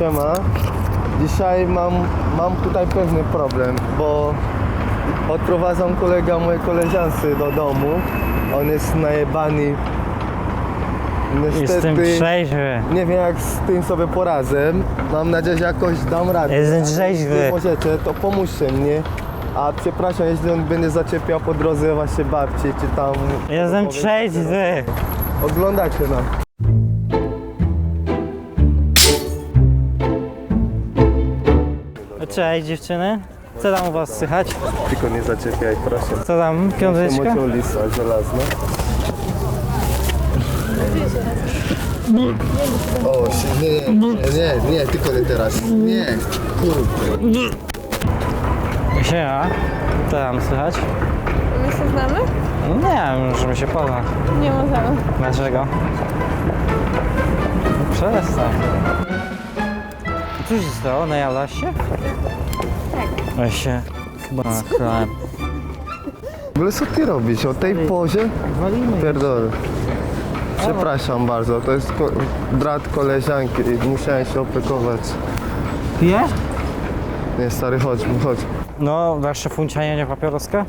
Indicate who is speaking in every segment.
Speaker 1: Siema. Dzisiaj mam tutaj pewny problem, bo odprowadzam kolegę mojej koleżance do domu. On jest najebany.
Speaker 2: Jestem trzeźwy.
Speaker 1: Nie wiem, jak z tym sobie poradzę. Mam nadzieję, że jakoś dam radę.
Speaker 2: Jestem trzeźwy.
Speaker 1: Jeśli możecie, to pomóżcie mnie. A przepraszam, jeśli on będzie zaczepiał po drodze właśnie babci, czy tam...
Speaker 2: Jestem trzeźwy.
Speaker 1: Oglądacie nas.
Speaker 2: Cześć dziewczyny. Co tam u was słychać?
Speaker 1: Tylko nie zaczepiaj, proszę.
Speaker 2: Co tam, piąteczka?
Speaker 1: Mocią lisa żelazna. O, nie, tylko nie teraz. Nie, kurde.
Speaker 2: Siema. Co tam słychać?
Speaker 3: My się znamy?
Speaker 2: Nie wiem, żeby się poznać.
Speaker 3: Nie możemy.
Speaker 2: Dlaczego? Przestań. Co się stało? Najadłaś się?
Speaker 3: Tak.
Speaker 2: Weź się chyba naklałem.
Speaker 1: W ogóle co ty robisz? O tej pozie?
Speaker 2: Walimy.
Speaker 1: Pierdolę. Przepraszam bardzo, to jest brat koleżanki i musiałem się opiekować.
Speaker 2: Pijesz?
Speaker 1: Nie, stary, chodź.
Speaker 2: No, dasz szefuncia, nie papieroska?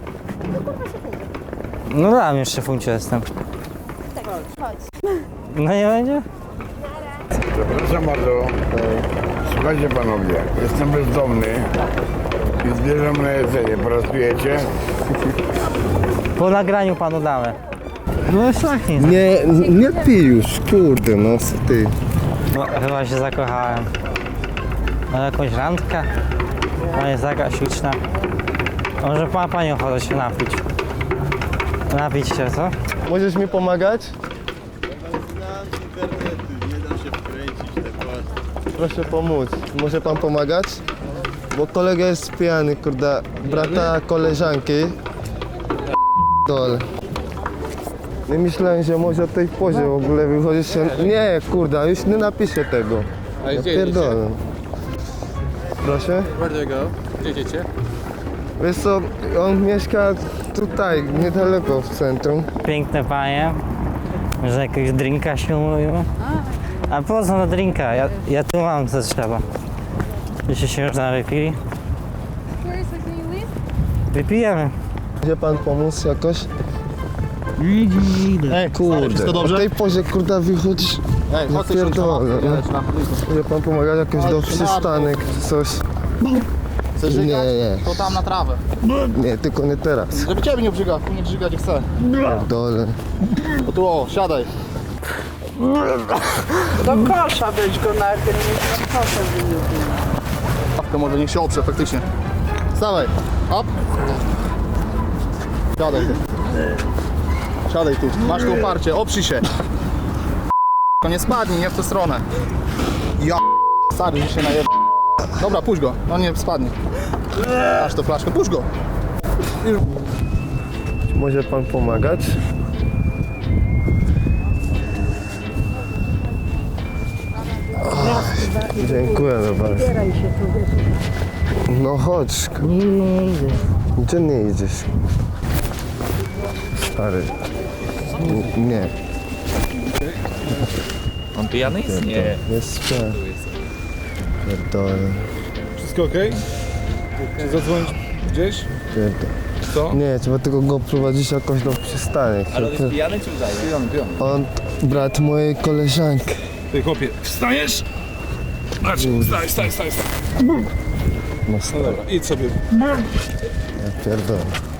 Speaker 2: No dam już szefuncia jestem.
Speaker 3: Tak, chodź.
Speaker 2: No nie będzie?
Speaker 4: Przepraszam bardzo. Słuchajcie panowie, jestem bezdomny i zbieram na jedzenie. Pracujecie?
Speaker 2: Po nagraniu panu damy. No jest taki.
Speaker 1: Nie pij już, kurde, no co ty.
Speaker 2: No chyba się zakochałem. Ma jakąś randkę? Ona jest taka śliczna. Może ma pani ochotę się napić. Napić się, co?
Speaker 1: Możesz mi pomagać? Proszę pomóc. Może pan pomagać? Bo kolega jest pijany, kurde. Brata koleżanki. Dole. Nie myślałem, że może o tej pozie w ogóle wychodzić się... Nie, kurde, już nie napiszę tego. Ja pierdolę. Proszę?
Speaker 5: Where do you go? Gdzie idziecie?
Speaker 1: Wiesz co, on mieszka tutaj, niedaleko w centrum.
Speaker 2: Piękne panie. Może jakiegoś drinka się umówiło? A po co na drinka? Ja tu mam co trzeba. Jeśli się już wypili? Wypijemy.
Speaker 1: Może pan pomóc jakoś?
Speaker 2: Ej,
Speaker 1: Kurde, o tej pozie, kurde, wychodzisz... Ja pierdolę. Może pan pomagać jakoś do przystanek czy coś?
Speaker 5: Chcesz
Speaker 1: Nie,
Speaker 5: żygać?
Speaker 1: nie,
Speaker 5: To tam na trawę.
Speaker 1: nie, tylko nie teraz.
Speaker 5: Żeby ciebie nie brzyga, nie brzyga gdzie chce.
Speaker 1: Pierdolę.
Speaker 5: O tu o, siadaj.
Speaker 6: Do kosza weź go najpierw, do kosza wyjdzie.
Speaker 5: To może niech się oprze faktycznie. Stawaj, hop. Siadaj tu. Siadaj tu, masz tu oparcie, oprzyj się. To nie spadnij, nie w tę stronę. Ja stary, że się najeb... Dobra, puść go, no nie spadnie. Masz to flaszkę, puść go.
Speaker 1: Może pan pomagać? Dziękuję bardzo. No chodź.
Speaker 2: nie idę.
Speaker 1: Gdzie nie idziesz? Stary. Nie.
Speaker 7: On pijany jest? Nie.
Speaker 1: Jest śpię. Pierdolę.
Speaker 4: Wszystko ok? Czy zadzwonić gdzieś?
Speaker 1: Pierdolę.
Speaker 4: Co?
Speaker 1: Nie, trzeba tylko go prowadzić jakoś do przystanek.
Speaker 7: Ale on jest pijany czy udaje?
Speaker 4: Pijany.
Speaker 1: On brat mojej koleżanki.
Speaker 4: Ty chłopie, wstajesz? Znaczy, wstaj.
Speaker 1: No stary,
Speaker 4: Dobra, idź sobie.
Speaker 1: ja pierdolę.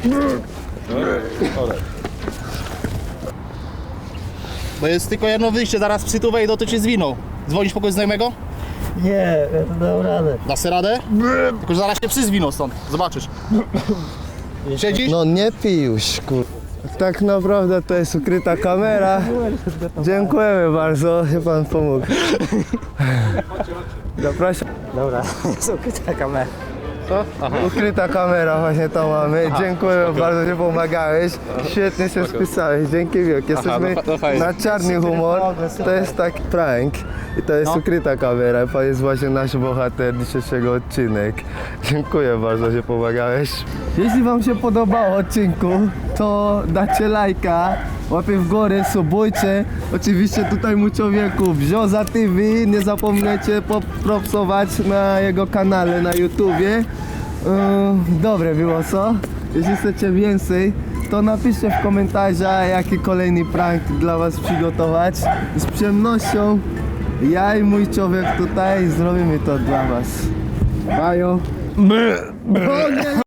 Speaker 5: Bo jest tylko jedno wyjście, zaraz psy tu wejdą, to cię zwiną. Dzwonisz po kogoś znajomego?
Speaker 2: Nie, ja to dam radę.
Speaker 5: Dasz sobie radę? Tylko że zaraz się psy zwiną stąd, zobaczysz. Siedzisz?
Speaker 1: No nie pij już, kur... Tak naprawdę to jest ukryta kamera. Dziękujemy bardzo, że pan pomógł. Zapraszam.
Speaker 2: Dobra, jest ukryta kamera.
Speaker 1: Ukryta kamera właśnie to mamy. Dziękuję bardzo, że pomagałeś. Świetnie się spisałeś. Dzięki wielkie. Jesteśmy na czarny humor. To jest taki prank. I to jest ukryta kamera. Pan jest właśnie nasz bohater dzisiejszego odcinek. Dziękuję bardzo, że pomagałeś. Jeśli wam się podobał odcinku, to dacie lajka, łapie w górę, subujcie. Oczywiście tutaj mu człowieku Bzioza TV, nie zapomnijcie popropsować na jego kanale na YouTubie. Dobre było, co? Jeśli chcecie więcej, to napiszcie w komentarzach, jaki kolejny prank dla was przygotować. Z przyjemnością ja i mój człowiek tutaj zrobimy to dla was. Bajo. O nie!